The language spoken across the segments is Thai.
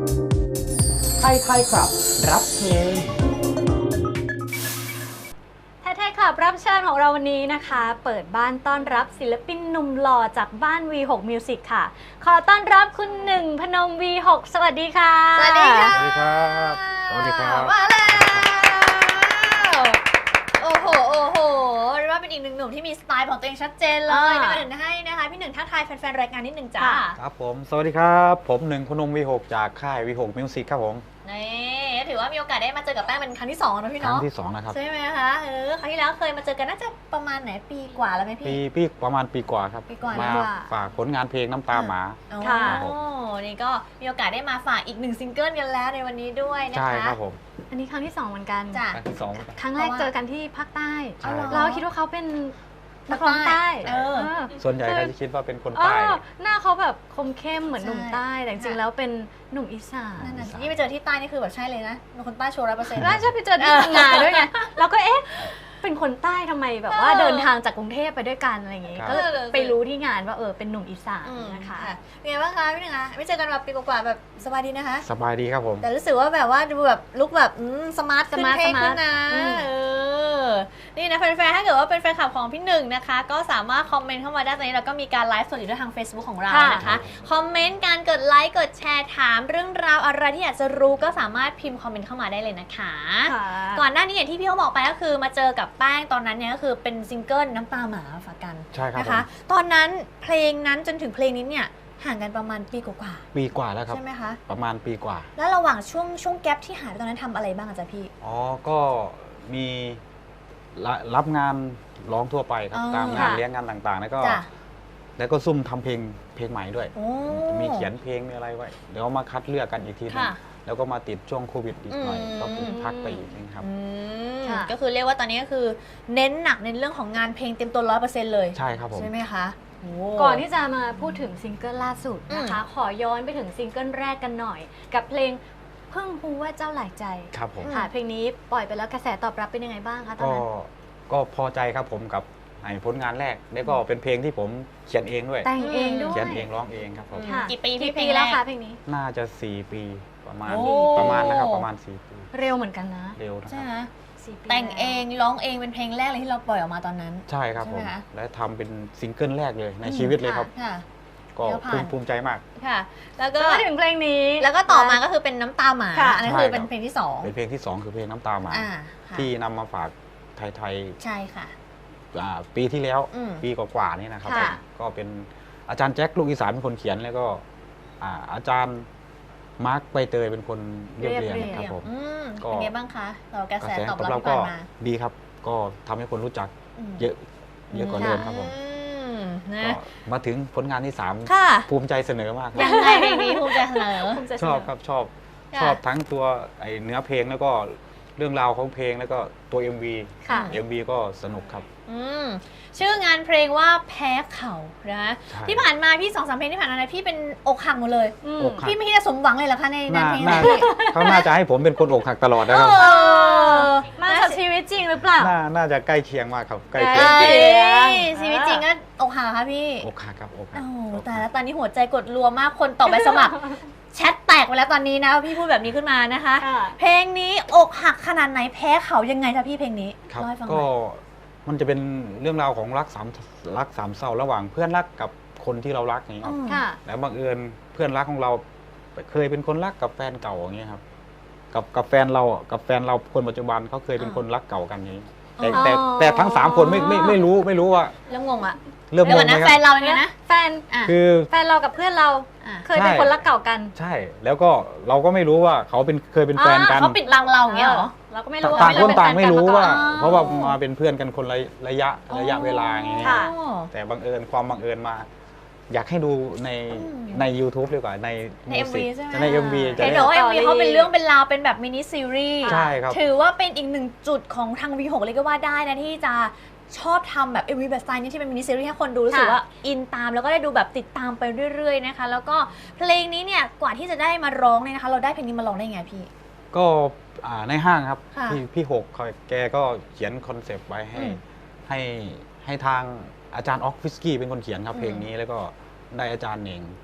ไทยครับรับเพลงไทยครับรับเชิญของเราวันนี้นะคะ เปิดบ้านต้อนรับศิลปินหนุ่มหล่อจากบ้าน V6 Music ค่ะขอต้อนรับคุณหนึ่งพนม V6 สวัสดีค่ะสวัสดีค่ะสวัสดีครับสวัสดีครับมาแล้วโอ้โหเรียกว่าเป็นอีกหนึ่งหนุ่มที่มีสไตล์ของตัวเองชัดเจนเลยนะคะเดี๋ยวให้นะคะพี่หนึ่งทักทายแฟนๆรายการนิดหนึ่งจ้าครับผมสวัสดีครับผมหนึ่งพนม V6 จากค่าย V6 Music ครับผมนี่ถือว่ามีโอกาสได้มาเจอกับแป้งเป็นครั้งที่2นะพี่ครั้เนาะงที่2นะครับใช่ไหมคะครั้งที่แล้วเคยมาเจอกันน่าจะประมาณไหนปีกว่าแล้วไหมพี่ปีประมาณปีกว่าครับปีกว่ามาแล้วฝากผลงานเพลงน้ำตาหมาค่ะครับผมนี่ก็มีโอกาสได้มาฝากอีก1ซิงเกิลกันแล้วในวันนี้ด้วยนะคะใช่ครับผมอันนี้ครั้งที่2เหมือนกันจ้ะครั้งที่2 ครั้งแรกเจอกันที่ภาคใต้ใช่เราคิดว่าเขาเป็นนักร้องใต้ส่วนใหญ่ก็จะคิดว่าเป็นคนเอใต้อหน้าเขาแบบคมเข้มเหมือนใช่หนุ่มใต้แต่จริงๆแล้วเป็นหนุ่มอีสานนั่นน่ะสินี่ไปเจอที่ใต้นี่คือแบบใช่เลยนะเป็นคนใต้โชว์100% แล้วชอบไปเจอที่พังงาด้วยไงเราก็เป็นคนใต้ทำไมแบบว่าเดินทางจากกรุงเทพไปด้วยกันอะไรอย่างงี้ครับก็ไปรู้ที่งานว่าเป็นหนุ่มอีสานนะคะเป็นไงบ้างคะพี่หนึ่งคะไม่เจอกันแบบปีกว่าๆแบบสบายดีนะคะสบายดีครับผมแต่รู้สึกว่าแบบว่าดูแบบลุคแบบสมาร์ทขึ้นสมาร์ทเท่ขึ้นนะอืมนี่นะแฟนๆถ้าเกิดว่าเป็นแฟนคลับของพี่หนึ่งนะคะก็สามารถคอมเมนต์เข้ามาได้ตอนนี้เราก็มีการไลฟ์สดอยู่ด้วยทาง Facebook ของเรานะคะคอมเมนต์การกดไลค์กดแชร์ถามเรื่องราวอะไรที่อยากจะรู้ก็สามารถพิมพ์คอมเมนต์เข้ามาได้เลยนะคะค่ะก่อนหน้านี้อย่างที่พี่เขาบอกไปก็คือมาเจอกับแป้งตอนนั้นเนี่ยก็คือเป็นซิงเกิลน้ำตาหมาฝากกันใช่ครับนะผคะมตอนนั้นเพลงนั้นจนถึงเพลงนี้เนี่ยห่างกันประมาณปีกว่าปีกว่าแล้วๆครับใช่ไหมคะประมาณปีกว่าแล้วระหว่างช่วงแกปที่หายไปตอนนั้นทำอะไรบ้างอะจ๊ะพี่อ๋อก็มีรับงานร้องทั่วไปครับอ๋อตามงานค่ะเลี้ยงงานต่างๆ แล้วก็จ้ะซุ่มทำเพลงใหม่ด้วยโอ้มีเขียนเพลงมีอะไรไว้เดี๋ยวมาคัดเลือกกันอีกทีนึงค่ะแล้วก็มาติดช่วงโควิดอีกหน่อยอืมก็พักไปอีกนะครับอืมค่ะก็คือเรียกว่าตอนนี้ก็คือเน้นหนักในเรื่องของงานเพลงเต็มตัว 100% เลยใช่ครับผมใช่ไหมคะโก่อนที่จะมาพูดถึงซิงเกิลล่าสุดนะคะ ขอย้อนไปถึงซิงเกิลแรกกันหน่อย กับเพลงเพิ่งรู้ว่าเจ้าหลายใจครับผมค่ะเพลงนี้ปล่อยไปแล้วกระแสตอบรับเป็นยังไงบ้างคะตอนก็นั้นก็พอใจครับผมกับผลงานแรกแล้วก็เป็นเพลงที่ผมเขียนเองด้วยแต่งเองด้วยเขียนเองร้องเองครับผมค่ะกี่ปีกี่เพลปีงแรแล้วกคะเพลงนี้น่าจะ4 ปีประมาณโอ้นะครับประมาณ4 ปีเร็วเหมือนกันนะเร็วนะคใช่รับไหม 4 ปีแต่งเองแล้วร้องเองเป็นเพลงแรกเลยที่เราปล่อยออกมาตอนนั้นใช่ครับใช่ผไหมมคะและทำเป็นซิงเกิลแรกเลยในชีวิตเลยครับค่ะก็แล้วผ่านภูมิใจมากค่ะ แล้วก็ก็มาถึงเพลงนี้แล้วก็ต่อมาก็คือเป็นน้ำตาหมาค่ะอันนั้นใช่คือครับเป็นเพลงที่สองเป็นเพลงที่ 2 คือเพลงน้ำตาหมาค่ะที่นำมาฝากไทยใช่ค่ะปีที่แล้วอืมปีกว่าๆนี่นะครับค่ะก็เป็นอาจารย์แจ็คลูกอีสานเป็นคนเขียนแล้วก็อาจารย์มาร์คใบเตยเป็นคนเรียบเรียงครับผม ก็เป็นไงบ้างคะเรากระกระแสแสตอบตอบรับรับที่ก็ผ่านมาดีครับ ก็ทำให้คนรู้จักเยอะกว่าเดิมครับผมนะก็มาถึงผลงานที่ค่ะ 3 ภูมิใจเสนอมากยังไงเพลงนี้ภูมิใจเสนอภูมิใจเสชนอบครับชอบค่ะชอบทั้งตัวเนื้อเพลงแล้วก็เรื่องราวของเพลงแล้วก็ตัว MV ค่ะ MV ก็สนุกครับชื่องานเพลงว่าแพ้เขานะใช่ที่ผ่านมาพี่2-3เพลงที่ผ่านมานะพี่เป็นอกหักหมดเลยอืมอกหักพี่ไม่คิดจะสมหวังเลยเหรอคะในงานเพลงน่านี้เขาน่าจะให้ผมเป็นคนอกหักตลอดนะครับมาจากชีวิตจริงหรือเปล่าน่าจะใกล้เคียงมากครับใกล้เอ้เคียงยชีวิตจริงก็อกหักเหรอคะพี่อกหักครับอกหักโอ้แต่แล้วตอนนี้หัวใจกดรัวมากคนต่อไปสมัคร แชทแตกไปแล้วตอนนี้นะพี่พูดแบบนี้ขึ้นมานะคะค่ะเพลงนี้อกหักขนาดไหนแพ้เขายังไงคะพี่เพลงนี้ครับเล่าให้ฟังหน่ก็อยมันจะเป็นเรื่องราวของรักสามเศร้าระหว่างเพื่อนรักกับคนที่เรารักอย่างนี้ครับค่ะแล้วบังเอิญเพื่อนรักของเราเคยเป็นคนรักกับแฟนเก่าอย่างนี้ยครับกับแฟนเราคนปัจจุบันเขาเคยเป็นคนรักเก่ากันอย่างนี้แต่ทั้ง3 คนไม่รู้ว่าเริ่มงงอะเริ่มเดี๋ยวงก่อง นไหมนะคแฟรับนเราเป็นไงนะแฟนอ่ะคือแฟนเรากับเพื่อนเราอ่ะเคยเป็นคนรักเก่ากันใช่แล้วก็เราก็ไม่รู้ว่าเขาเคยเป็นแฟนกันเขาปิดบังเราอย่างเงี้ยเหรอเราก็ไม่รู้ต่างคนต่างไม่รู้ว่าอ๋อเพราะว่ามาเป็นเพื่อนกันคนระยะเวลาอย่างเงี้ยค่ะแต่บังเอิญความบังเอิญมา อยากให้ดูใน YouTube ดีกว่าในใน Music MV ใช่ไหมใน MV จะเห็นได้บอกว่า MV เขาเป็นเรื่องเป็นราวเป็นแบบมินิซีรีส์ใช่ครับถือว่าเป็นอีกหนึ่งจุดของทาง V6 เลยก็ว่าได้นะที่จะชอบทำแบบ MV แบบสไตล์นี้ที่เป็นมินิซีรีส์ให้คนดูรู้สึกว่าอินตามแล้วก็ได้ดูแบบติดตามไปเรื่อยๆนะคะแล้วก็เพลงนี้เนี่ยกว่าที่จะได้มาร้องเนี่ยนะคะเราได้เพลงนี้มาร้องได้ไงพี่ก็ในห้างครับค่ะพี่หกแกก็เขียนคอนเซปต์ไว้ให้ทางอาจารย์ออกฟิสกี้เป็นคนเขียนครับเพลงนี้แล้วก็ได้อาจารย์เหน่ง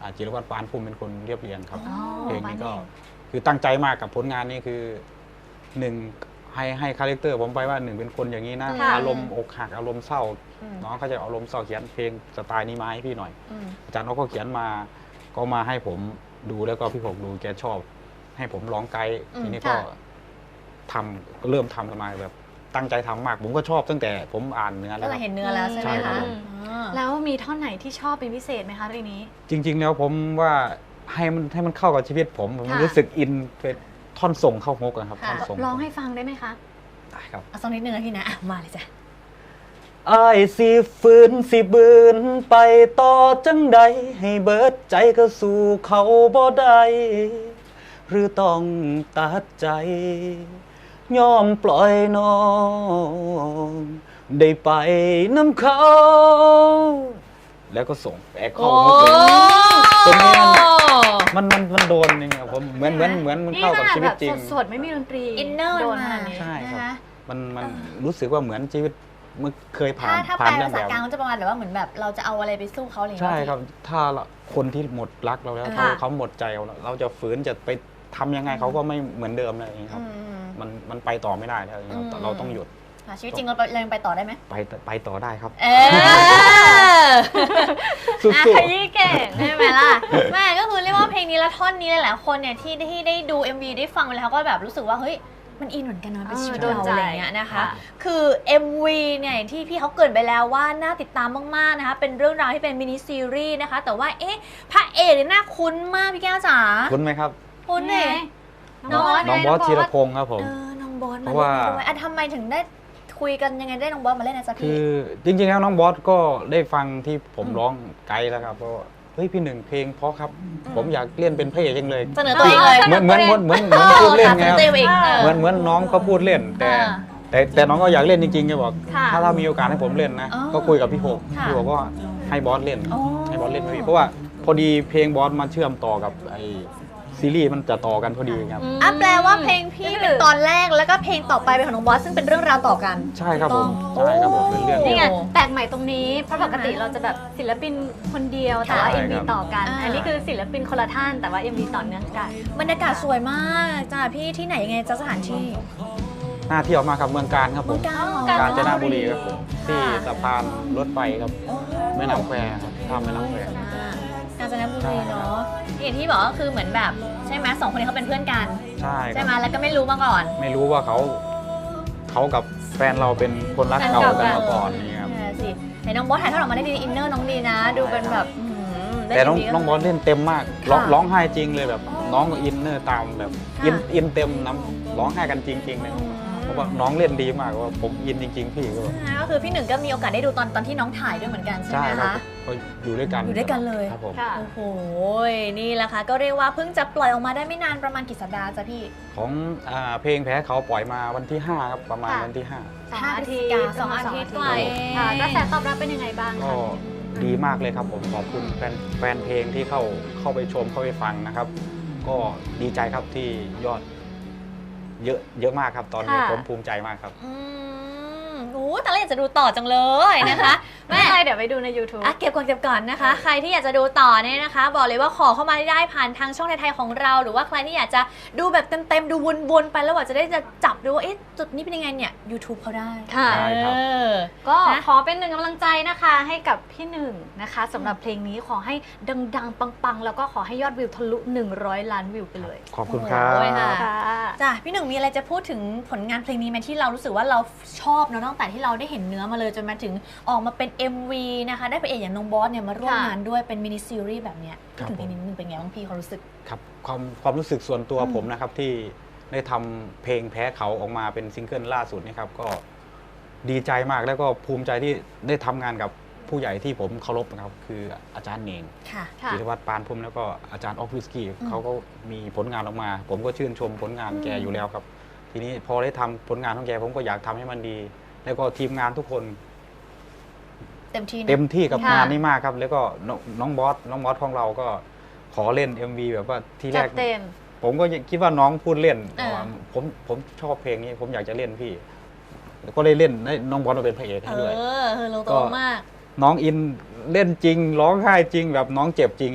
จิรวัตรปานภูมิเป็นคนเรียบเรียงครับอ๋อเพลงนี้ก็ปานเองคือตั้งใจมากกับผลงานนี้คือหนึ่งให้คาแรคเตอร์ผมไปว่าหนึ่งเป็นคนอย่างนี้นะค่ะอารมณ์อกหักอารมณ์เศร้าอืมน้องเขาจะอารมณ์เศร้าเขียนเพลงสไตล์นี้มาให้พี่หน่อยอืมอาจารย์เขาก็เขียนมาก็มาให้ผมดูแล้วก็พี่ผมดูแกชอบ ให้ผมร้องไกด์ทีนี้ก็ก็เริ่มทำกันมาแบบตั้งใจทำมาก ผมก็ชอบตั้งแต่ผมอ่านเนื้อแล้ก็วเลคยรับเห็นเนื้อแล้วใช่ไหมใช่ครัคะบผมอ่าแล้วมีท่อนไหนที่ชอบเป็นพิเศษไหมคะเพลงนี้จริง ๆ แล้วผมว่าให้มันเข้ากับชีวิตผมค่ะรู้สึกอินเป็นท่อนส่งเข้าฮกอะครับค่ะท่อนส่งร้องให้ฟังได้ไหมคะได้ครับเอาสักนิดนึงนะพี่นะอ่ะมาเลยจ้ะอ้ายสิฝืนสิบืนไปต่อจังใดให้เบิดใจก็สู่เขาบ่ได้หรือต้องตัดใจ ยอมปล่อยน้องได้ไปน้ำเขา แล้วก็ส่งแอคเข้าเมื่อกี้ตรงนี้มันโดนจริงครับผมเหมือนมันเข้ากับชีวิตจริงสดๆไม่มีดนตรีอินเนอร์โดมันนมาขนาดนี้ใช่ครับนะคะมันรู้สึกว่าเหมือนชีวิตเมื่อเคยผ่านถ้าแปผ่าลนเรื่อภาง ษาแบบกลางมันจะประมาณแบบว่าเหมือนแบบเราจะเอาอะไรไปสู้เขาอะไรอย่างใช่เงี้ยครับ ถ้าคนที่หมดรักเราแล้วค่ะเขาหมดใจเราแล้วเราจะฝืนจะไปทำยังไงเขาก็ไม่เหมือนเดิมเลยอย่างนี้คอืรับมมันไปต่อไม่ได้แล้วอย่างนี้ครับอืมเราต้องหยุดค่ะชีวิตจริงเรายังไปต่อได้ไหมไปต่อได้ครับเออสุดขยี้เก่งใช่ไหมล่ะแม่ก็คือเรียกว่าเพลงนี้และท่อนนี้หลายๆคนเนี่ยที่ได้ดู MV ได้ฟังไปแล้วก็แบบรู้สึกว่าเฮ้ยมันอินเหมือนกันนะเป็นชีวิตโดนเราใจอะไรอย่างเงี้ยนะคะค่ะคือ MV เนี่ยอย่างที่พี่เขาเกรินไปแล้วว่าน่าติดตามมากๆนะคะเป็นเรื่องราวที่เป็นมินิซีรีส์นะคะแต่ว่าเอ๊ะพระเอกเนี่ยน่าคุ้นมากพี่แก้วจ๋าๆคุ้นไหมครับคุ้นเนี่ยน้องบอสน้องบอสธีรพงศ์ครับผมน้องบอสเพมาราะเล่ว่านด้วยทำไมถึงได้คุยกันยังไงได้น้องบอสมาเล่นนะจ๊ะคืพี่อจริงๆแล้วน้องบอสก็ได้ฟังที่ผมร้องไกด์แล้วครับเพราะว่าเฮ้ยพี่หนึ่งเพลงเพราะครับ ผมอยากเล่นเป็นพระเอกจังเลยเสนอตัวเองเลยเหมือนพูดเล่นไงครับตัวเองเหมือนน้องเขาพูดเล่น แต่น้องก็อยากเล่นจริงๆแกบอกค่ะถ้ามีโอกาสให้ผมเล่นนะอ๋อก็คุยกับพี่หกค่ะพี่หกก็ให้บอสเล่นอ๋อให้บอสเล่นพี่เพราะว่าพอดีเพลงบอสมาเชื่อมต่อกับไอซีรีส์มันจะต่อกันพอดีครับอ่ะแปลว่าเพลงพี่เป็นตอนแรกแล้วก็เพลงต่อไปเป็นของน้องบอสซึ่งเป็นเรื่องราวต่อกันใช่ครับผมถูกต้องใช่ครับผมเป็นเรื่องนี่เดียวไงแปลกใหม่ตรงนี้เพราะปกติเราจะแบบศิลปินคนเดียวแต่ว่าใช่ MV ครับต่อกันอ่าอันนี้คือศิลปินคนละท่านแต่ว่า MV ต่อเนื่องกันบรรยากาศสวยมากจ้าพี่ที่ไหนยังไงจ้าสถานที่น่าเที่ยวมากครับเมืองการครับผมเมืองกาญกาญจนบุรีครับผมที่สะพานรถไฟครับแม่น้ำแควครับข้ามแม่น้ำแควกาญจนบุรีเนาะอย่างที่บอกก็คือเหมือนแบบใช่ไหมสองคนนี้เขาเป็นเพื่อนกันใช่คใช่รับไหมแล้วก็ไม่รู้มาก่อนไม่รู้ว่าเขากับแฟนเราเป็นคนรักเก่ากันมาก่อนนี่ครับสิเห็นน้องบอสถ่ายทอดออกมาได้ดีอินเนอร์น้องดีนะ ดูเป็นแบบได้แต่น้องดีก็น้องบอสเล่นเต็มมากค่ะร้องไห้จริงเลยแบบ น้องก็อินเนอร์ตามแบบค่ะอินเต็มน้ำร้องไห้กันจริงๆเลยเพราะว่าน้องเล่นดีมากว่าผมอินจริง ๆ พี่ก็แบบก็คือพี่หนึ่งก็มีโอกาสได้ดูตอนที่น้องถ่ายด้วยเหมือนกันใช่ใช่ไหมครับคะก็อยู่ด้วยกันอยู่ด้วยกันเลยครับผมค่ะโอ้โหนี่แหละค่ะก็เรียกว่าเพิ่งจะปล่อยออกมาได้ไม่นานประมาณกี่สัปดาห์จ้ะพี่ของเพลงแพ้เขาปล่อยมาวันที่ 5 ครับประมาณค่ะวันที่ 2 อาทิตย์สองอาทิตย์กว่าเองค่ะกระแสตอบรับเป็นยังไงบ้าง 5 ก็คะดีมากเลยครับผมขอบคุณแฟนเพลงที่เข้าไปชมเข้าไปฟังนะครับ ก็ดีใจครับที่ยอดเยอะมากครับตอนนี้ค่ะผมภูมิใจมากครับโอ้แต่เราอยากจะดูต่อจังเลยนะคะไม่เป็นไรเดี๋ยวไปดูใน YouTube เก็บก่อนนะคะ ใครที่อยากจะดูต่อเนี่ยนะคะ บอกเลยว่าขอเข้ามาได้ผ่านทางช่องไทยๆของเรา หรือว่าใครที่อยากจะดูแบบเต็มๆดูวนๆไปแล้วว่าจะได้จะจับดูว่าเอ๊ะจุดนี้เป็นยังไงเนี่ย YouTube เขาได้ค่ะได้ครับเออก็นะขอเป็นหนึ่งกำลังใจนะคะให้กับพี่หนึ่งนะคะสำหรับเพลงนี้ขอให้ดังๆ ปังๆ แล้วก็ขอให้ยอดวิวทะลุ 100 ล้านวิวไปเลยขอบคุณครับโอ้ยค่ะค่ะจ้ะพี่หนึ่งมีอะไรจะพูดถึงผลงานเพลงนี้ไหมที่เรารู้สึกว่าเราชอบเนอะตั้งแต่ที่เราได้เห็นเนื้อมาเลยจนมาถึงออกมาเป็น MV นะคะได้พระเอกอย่างน้องบอสเนี่ยมาร่วมค่ะงานด้วยเป็นมินิซีรีส์แบบเนี้ยครับพูดถึงเพลงนี้นิดนึงเป็นไงบ้างพี่เขารู้สึกครับความรู้สึกส่วนตัวอืมผมนะครับที่ได้ทำเพลงแพ้เขาออกมาเป็นซิงเกิลล่าสุดนี่ครับก็ดีใจมากแล้วก็ภูมิใจที่ได้ทำงานกับผู้ใหญ่ที่ผมเคารพนะครับคืออาจารย์เนงค่ะค่ะจิรวัตรปานพุ่มแล้วก็อาจารย์ออฟฟิสกี้เขาก็มีผลงานออกมา ผมก็ชื่นชมผลงานแกอยู่แล้วครับ ทีนี้พอได้ทำผลงานของแกผมก็อยากทำให้มันดี แล้วก็ทีมงานทุกคนเต็มที่นะเต็มที่กับค่ะงานนี้มากครับ แล้วก็น้องบอสของเราก็ขอเล่น MV แบบว่าที่แรจักดเต็มผมก็คิดว่าน้องพูดเล่นเออว่าผมชอบเพลงนี้ ผมอยากจะเล่นพี่แล้วก็ได้เล่นให้น้องบอสมาเป็นพระเอกให้ด้วยลงตัวมากน้องอินเล่นจริงร้องไห้จริงแบบน้องเจ็บจริงค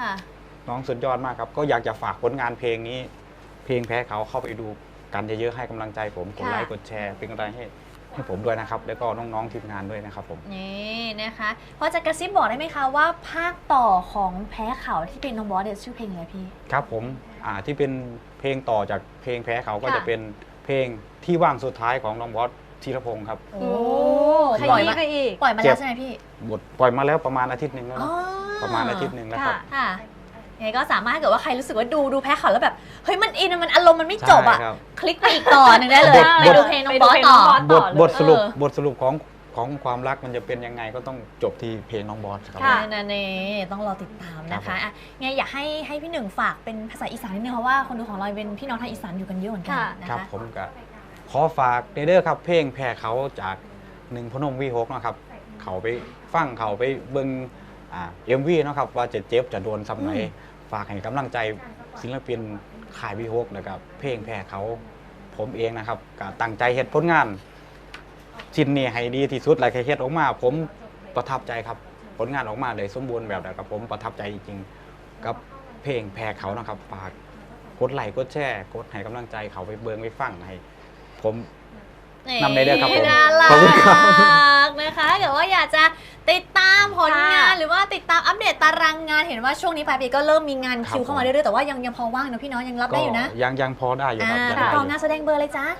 ค่ะน้องสุดยอดมากครับก็อยากจะฝากผลงานเพลงนี้ เพลงแพ้เขาเข้าไปดูกันเยอะๆให้กำลังใจผมกดไลค์กดแชร์เป็นกำลังใจให้ผมด้วยนะครับแล้วก็น้องๆทีมงานด้วยนะครับผมนี่นะคะพอจะกระซิบบอกได้ไหมคะว่าภาคต่อของแพ้เขาที่เป็นน้องบอสเนี่ยชื่อเพลงอะไรพี่ครับผมที่เป็นเพลงต่อจากเพลงแพ้เขาก็ค่ะจะเป็นเพลงที่ว่างสุดท้ายของน้องบอสธีรพงศ์ครับโอ้ขปล่อยยี้มาไปอีกปล่อยมาแล้วใช่ไหมพี่บทปล่อยมาแล้วประมาณอาทิตย์หนึ่งแล้วอ๋อนะประมาณอาทิตย์หนึ่งแล้วครับค่ะยังไงก็สามารถถ้าเกิดว่าใครรู้สึกว่าดูแพ้เขาแล้วแบบเฮ้ยมันอินมันอารมณ์มันไม่จบอ่ะใช่ครับคลิกไปอีกต่อหนึ่งได้เลยบทไปดูเพลงน้องบอสต่อบทสรุปเออบทสรุปของความรักมันจะเป็นยังไงก็ต้องจบที่เพลงน้องบอสครับค่ะนั่นเองต้องรอติดตามนะครัคะบผมอ่ะไงอยากให้พี่หนึ่งฝากเป็นภาษาอีสานนิดนึงเพราะว่าคนดูของเราเป็นพี่น้องทางอีสานอยู่กันเยอะเหมือนกันค่ะนะครับคะผมก็ขอฝากเด้อครับเพลงแพ้เขาจากหนึ่งพนมวีหกนะครับเขาไปฟังเขาไปเบิ่งMV นะครับว่าจะเจ็บจะโดนซ้ำไหนฝากให้กำลังใจศิลปินค่ายวีหกนะครับเพลงแพ้เขาผมเองนะครับก็ตั้งใจเฮ็ดผลงานชิ้นนี้ให้ดีที่สุดหลายเฮ็ดออกมา ผมประทับใจครับผลงานออกมาเลยสมบูรณ์แบบนะครับผมประทับใจจริงๆกับเพลงแพ้เขานะครับฝากกดไลค์กดแชร์กดให้กำลังใจเขาไปเบิ่งไปฟังให้ผม นำได้ด้วยครับผมน่ารัขอบคุณครับกนะคะเดี๋ยวว่าอยากจะติดตามผลงานค่ะหรือว่าติดตามอัปเดตตารางงานเห็นว่าช่วงนี้ปลายปีก็เริ่มมีงานครับคิวเข้ามาเรื่อยๆแต่ว่ายังพอว่างเนอะพี่เน้องยังรับก็ได้อยู่นะยังพอได้อยู่ครับยังติดได้อต่อยู่ งานแสดงเบอร์เลยจ้า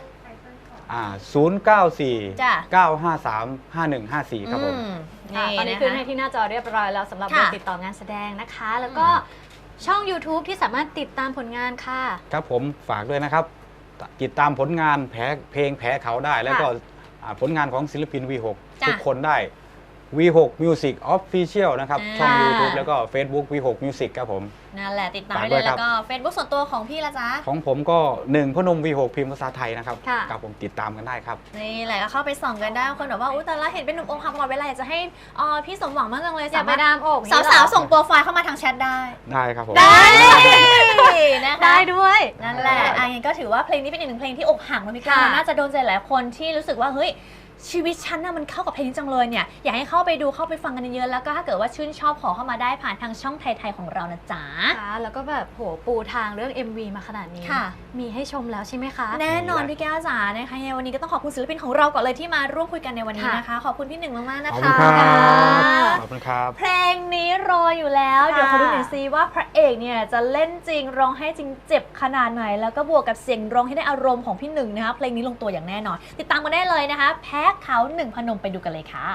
094 จ้ะ 953 5154 ครับผมค่ะตอนนี้ะคะขึ้นให้ที่หน้าจอเรียบร้อยแล้วสำหรับค่ะเบอร์ติดต่องานแสดงนะคะ แล้วก็ช่อง YouTube ที่สามารถติดตามผลงานค่ะครับผมฝากด้วยนะครับ ติดตามผลงานเพลงแพ้เขาได้ แล้วก็ผลงานของศิลปิน V6 จ้ะทุกคนได้ V6 Music Official นะครับ ช่องอ่า YouTube แล้วก็ Facebook V6 Music ครับผมนั่นแหละติดตามฝากได้ด้เลวยยครัแล้บวก็ Facebook ส่วนตัวของพี่ละจ๊ะของผมก็1พนม V6 พิมพ์ภาษาไทยนะครับค่ะครับผมติดตามกันได้ครับนี่แหละก็เข้าไปส่องกันได้คนบอกว่าอุ้ยแต่ละเห็นเป็นหนุ่มอกหักตลอดเวลาอยากจะให้พี่สมหวังมากจังเลยอยากไปสามารถดามอกอย่งนี้เหรอสาวๆส่งโปรไฟล์เข้ามาทางแชทได้ได้ครับผมได้นะคะได้ด้วยนั่นแหละงั้นก็ถือว่าเพลงนี้เป็นอีกหนึ่งเพลงที่อกหักนะพี่ก้าวค่ะน่าจะโดนใจหลายคนที่รู้สึกว่าเฮ้ยชีวิตฉันน่ะมันเข้ากับเพลงนี้จังเลยเนี่ยอยากให้เข้าไปดูเข้าไปฟังกันเยอะๆแล้วก็ถ้าเกิดว่าชื่นชอบขอเข้ามาได้ผ่านทางช่องไทยๆของเรานะจ๊ะค่ะแล้วก็แบบโหปูทางเรื่อง MV มาขนาดนี้ค่ะมีให้ชมแล้วใช่ไหมคะแน่นอนพี่แก้วจ๋านะคะยังไงวันนี้ก็ต้องขอบคุณศิลปินของเราก่อนเลยที่มาร่วมคุยกันในวันนี้นะคะ ขอบคุณพี่หนึ่งมากๆนะขอบคะคุณครับขอบคุณครับเพลงนี้รออยู่แล้วค่ะเดี๋ยวขอดูหน่อยซิว่าพระเอกเนี่ยจะเล่นจริงร้องให้จริงเจ็บขนาดไหน แล้วก็บวกกับเสียงร้องให้ได้อารมณ์ของพี่หนึ่งนะคะเพลงนี้ลงตัวอย่างแน่นอน ติดตามกันได้เลยนะคะ แพ้เขาหนึ่งพนมไปดูกันเลยค่ะ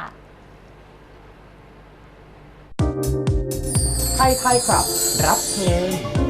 ไทยครับ รับเพลง